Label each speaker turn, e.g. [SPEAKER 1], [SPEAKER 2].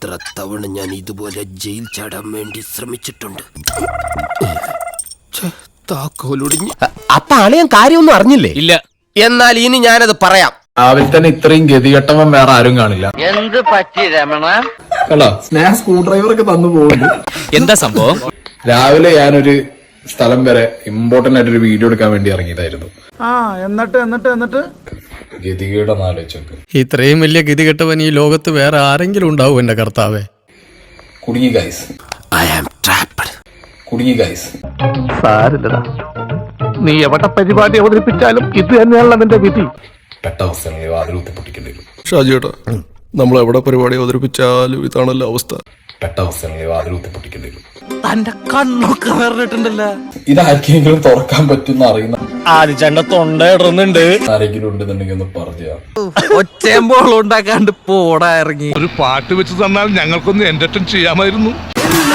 [SPEAKER 1] എത്ര തവണ ഞാൻ ഇതുപോലെ ജയിൽ ചാടാൻ വേണ്ടി ശ്രമിച്ചിട്ടുണ്ട്. താക്കോലൊടിഞ്ഞ്.
[SPEAKER 2] അപ്പൊ അളിയൻ കാര്യമൊന്നും അറിഞ്ഞില്ലേ?
[SPEAKER 3] ഇല്ല.
[SPEAKER 1] എന്നാൽ ഇനി ഞാനത് പറയാം.
[SPEAKER 4] രാവിലെ തന്നെ ഇത്രയും ഗതികെട്ടവൻ വേറെ ആരും കാണില്ല.
[SPEAKER 5] എന്ത് പറ്റി രമണ?
[SPEAKER 4] കണ്ടോ, സ്നേഹ സ്ക്രൂ ഡ്രൈവർ ഒക്കെ തന്നു പോകുന്നു.
[SPEAKER 3] എന്താ സംഭവം?
[SPEAKER 4] രാവിലെ ഞാനൊരു സ്ഥലം വരെ ഇമ്പോർട്ടന്റ് ആയിട്ടൊരു വീഡിയോ എടുക്കാൻ വേണ്ടി ഇറങ്ങിയതായിരുന്നു.
[SPEAKER 6] എന്നിട്ട്
[SPEAKER 4] ഗതികേടെന്ന് ആലോചിച്ചൊക്കെ
[SPEAKER 7] ഇത്രയും വലിയ ഗതികെട്ടവൻ ഈ ലോകത്ത് വേറെ ആരെങ്കിലും ഉണ്ടാവും എന്റെ കർത്താവേ.
[SPEAKER 4] കുടുങ്ങി ഗൈസ്,
[SPEAKER 1] I am trapped.
[SPEAKER 4] കുടുങ്ങി ഗൈസ്.
[SPEAKER 6] സാരില്ലടാ, നീ എവിടെ പരിപാടി അവതരിപ്പിച്ചാലും ഇത് തന്നെയാണല്ലോ നിന്റെ വിധി.
[SPEAKER 4] പെട്ട അവസ്ഥകളിൽ വാതിൽ കുത്തിപ്പൊട്ടിക്കേണ്ടി വരും.
[SPEAKER 8] ഷാജിയേട്ടാ, നമ്മൾ എവിടെ പരിപാടി അവതരിപ്പിച്ചാലും ഇതാണല്ലോ അവസ്ഥ.
[SPEAKER 4] പെട്ട അവസ്ഥകളിൽ വാതിൽ കുത്തിപ്പൊട്ടിക്കേണ്ടി വരും.
[SPEAKER 3] തന്റെ കണ്ണൊക്കെ വേറിട്ടുണ്ടല്ലോ.
[SPEAKER 4] ഇതാർക്കെങ്കിലും തുറക്കാൻ പറ്റുന്ന അറിയുന്ന
[SPEAKER 3] ആദ്യ തൊണ്ട ഇടുന്നുണ്ട്.
[SPEAKER 4] ആരെങ്കിലും ഉണ്ടെന്നുണ്ടെങ്കിൽ ഒന്ന് പറഞ്ഞു.
[SPEAKER 3] ഒച്ചയമ്പോളം ഉണ്ടാക്കാണ്ട് പോടാ ഇറങ്ങി.
[SPEAKER 9] ഒരു പാട്ട് വെച്ച് തന്നാൽ ഞങ്ങൾക്കൊന്ന് എന്റർടൈൻ ചെയ്യാമായിരുന്നു.